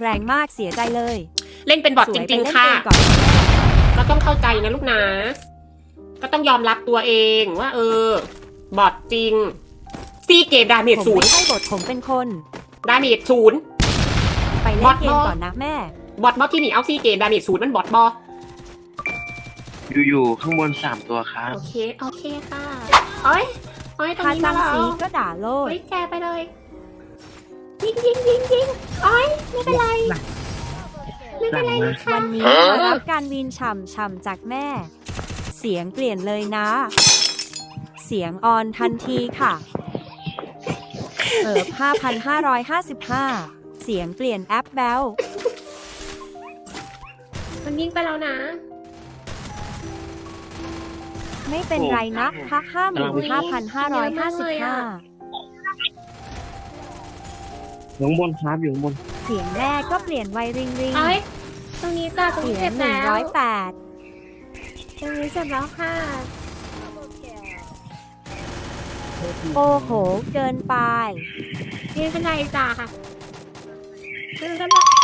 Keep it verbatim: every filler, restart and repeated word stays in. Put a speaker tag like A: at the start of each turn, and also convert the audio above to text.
A: แรงมากเสียใจเลย
B: เล่นเป็นบอทจริงๆค่ะ
A: สวยไปเล่นเกมก่อน
B: ก็ต้องเข้าใจนะลูกนะ ก็ต้องยอมรับตัวเองว่า เออ บอทจริงซีเกมดาเมจ
A: ผม
B: ศูน
A: ไม่
B: ย์
A: ใช่บทผมเป็นคน
B: ดาเมจศูนย์
A: ไปเล่นเกมก่อนนะแม่
B: บอทบอทที่หนีเอาซีเกมดาเมจศูนย์มันบอทบอ
C: อยู่ๆข้างบนสามตัวครับ
B: โอเคโอเคค่ะโอ้ยโอ้ยตรง
A: ถ้า
B: นี้มา
A: จำ
B: แล้ว
A: สีก็ด่าโลด
B: เฮ้ยแกไปเลย ยิงยิงยิงยิงโอ้ยไม่เป็นไร ไม่เป็นไรนะคะ
A: วันนี้มารับการวีนฉ่ำฉ่ำจากแม่ เสียงเปลี่ยนเลยนะ เสียงออนทันทีค่ะ เอิบห้าพันห้าร้อยห้าสิบห้า เสียงเปลี่ยนแอปแบล
B: มันยิงไปแล้วนะ
A: ไม่เป็นไรนะพักห้าหมื่นห้าพันห้าร้อยห้าสิบห้า
C: อยู่ข้างบนครับอยู่ข้างบน
A: เสียงแม่ก็เปลี่ยนไวริงริง
B: เอ้ยตรงนี้จ้ะตรง
A: เสี
B: นี้
A: ย
B: เจ็
A: ง
B: บ
A: หนึ่ง
B: แล้ว
A: ร้อยแปด
B: ตรงนี้เจ็บแล้วค่ะ
A: โอ้โห เกินไป
B: ไม่เป็นไรจ้ะค่ะไม่เป็นไร